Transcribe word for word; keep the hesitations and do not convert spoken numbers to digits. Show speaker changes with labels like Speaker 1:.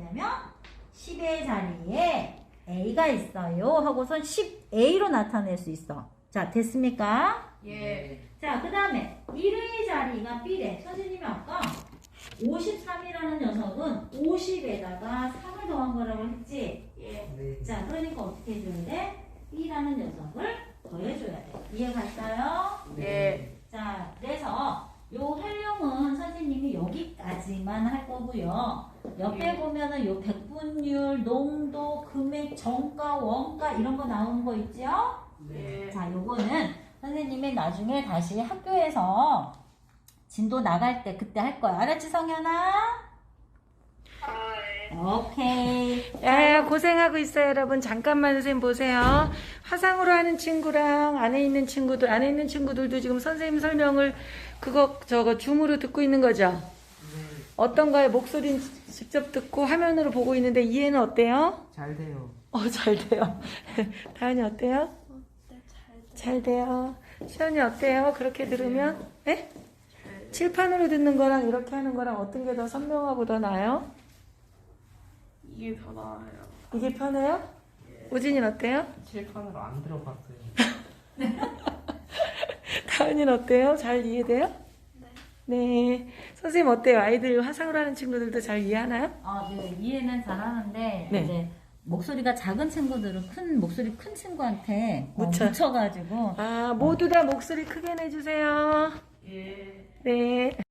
Speaker 1: 나타내냐면 십의 자리에 A가 있어요 하고선 십 에이로 나타낼 수 있어. 자, 됐습니까?
Speaker 2: 예.
Speaker 1: 자, 그 다음에 일의 자리가 B래. 선생님이 아까 오십삼이라는 녀석은 오십에다가 삼을 더한 거라고 했지?
Speaker 2: 예.
Speaker 3: 네.
Speaker 1: 자, 그러니까 어떻게 해줘야 돼? B라는 녀석을 더해줘야 돼. 이해갔어요?
Speaker 2: 예.
Speaker 1: 자, 그래서 요 활용은 선생님이 여기까지만 할 거고요. 옆에 보면은 요 백분율, 농도, 금액, 정가, 원가 이런 거 나오는 거 있죠?
Speaker 2: 예.
Speaker 1: 자, 요거는 선생님이 나중에 다시 학교에서 진도 나갈 때 그때 할 거야. 알았지, 성현아?
Speaker 2: 아, 예.
Speaker 1: 오케이.
Speaker 4: 야, 고생하고 있어요, 여러분. 잠깐만 선생님 보세요. 화상으로 하는 친구랑 안에 있는 친구들, 안에 있는 친구들도 지금 선생님 설명을 그거 저거 줌으로 듣고 있는 거죠? 어떤가요? 목소리는 직접 듣고 화면으로 보고 있는데 이해는 어때요?
Speaker 3: 잘 돼요.
Speaker 4: 어, 잘 돼요. 다은이 어때요? 잘 돼요. 시연이 어때요? 그렇게 들으면? 네? 칠판으로 듣는 거랑 이렇게 하는 거랑 어떤 게 더 선명하고 더 나아요?
Speaker 2: 이게 더 나아요.
Speaker 4: 이게 편해요? 우진이는 어때요?
Speaker 3: 칠판으로 안 들어봤어요.
Speaker 4: 다은이는 어때요? 잘 이해돼요? 네. 선생님 어때요? 아이들 화상으로 하는 친구들도 잘 이해하나요?
Speaker 1: 어, 네, 이해는 잘하는데
Speaker 4: 네.
Speaker 1: 이제 목소리가 작은 친구들은 큰 목소리 큰 친구한테 어,
Speaker 4: 묻혀.
Speaker 1: 묻혀가지고
Speaker 4: 아, 모두 다 목소리 크게 내주세요.
Speaker 2: 예.
Speaker 4: 네.